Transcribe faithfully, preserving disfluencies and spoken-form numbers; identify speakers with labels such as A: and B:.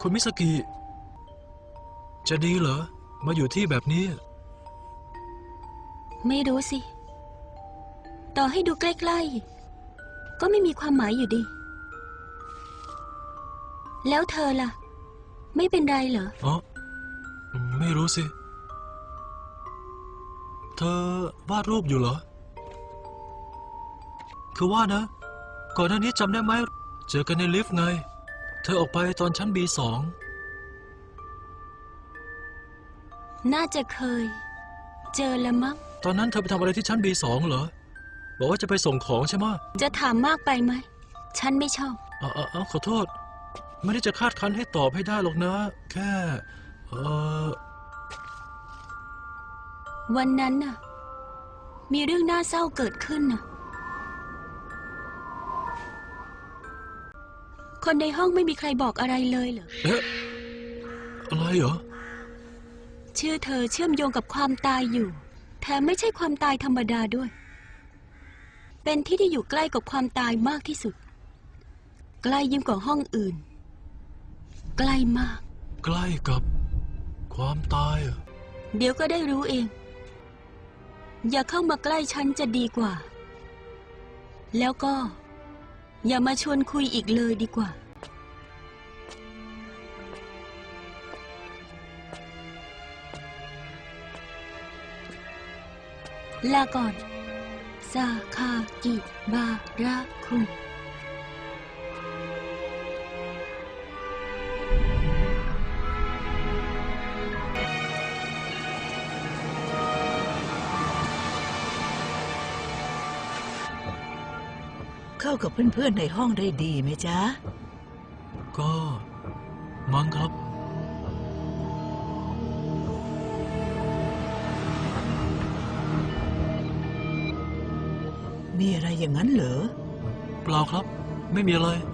A: คุณมิสกิจะดีเหรอมาอยู่ที่แบบนี้
B: ไม่รู้สิต่อให้ดูใกล้ๆก็ไม่มีความหมายอยู่ดีแล้วเธอล่ะไม่เป็นไรเหรอ
A: อ๋อไม่รู้สิเธอวาดรูปอยู่เหรอคือว่านะก่อนหน้านี้จำได้ไหมเจอกันในลิฟต์ไงเธอออกไปตอนชั้น บี สอง
B: น่าจะเคยเจอละมั้ง
A: ตอนนั้นเธอไปทำอะไรที่ชั้น บี สอง เหรอบอกว่าจะไปส่งของใช่ไหม
B: จะถามมากไปไหมฉันไม่ชอบ
A: อ๋ออ๋อขอโทษไม่ได้จะคาดคั้นให้ตอบให้ได้หรอกนะแค่เออ
B: วันนั้นน่ะมีเรื่องน่าเศร้าเกิดขึ้นน่ะคนในห้องไม่มีใครบอกอะไรเลยเหรอ
A: เอ๊ะอะไรเหรอ
B: ชื่อเธอเชื่อมโยงกับความตายอยู่แถมไม่ใช่ความตายธรรมดาด้วยเป็นที่ที่อยู่ใกล้กับความตายมากที่สุดใกล้ยิ่งกว่าห้องอื่นใกล้มาก
A: ใกล้กับความตายเหรอ
B: เดี๋ยวก็ได้รู้เองอย่าเข้ามาใกล้ฉันจะดีกว่าแล้วก็อย่ามาชวนคุยอีกเลยดีกว่าลาก่อนซาคากิบาระคุง
C: เข้ากับเพื่อนๆในห้องได้ดีไหมจ๊ะ
A: ก็มั้งครับ
C: มีอะไรอย่างนั้นเหรอ
A: เปล่าครับไม่มีอะไร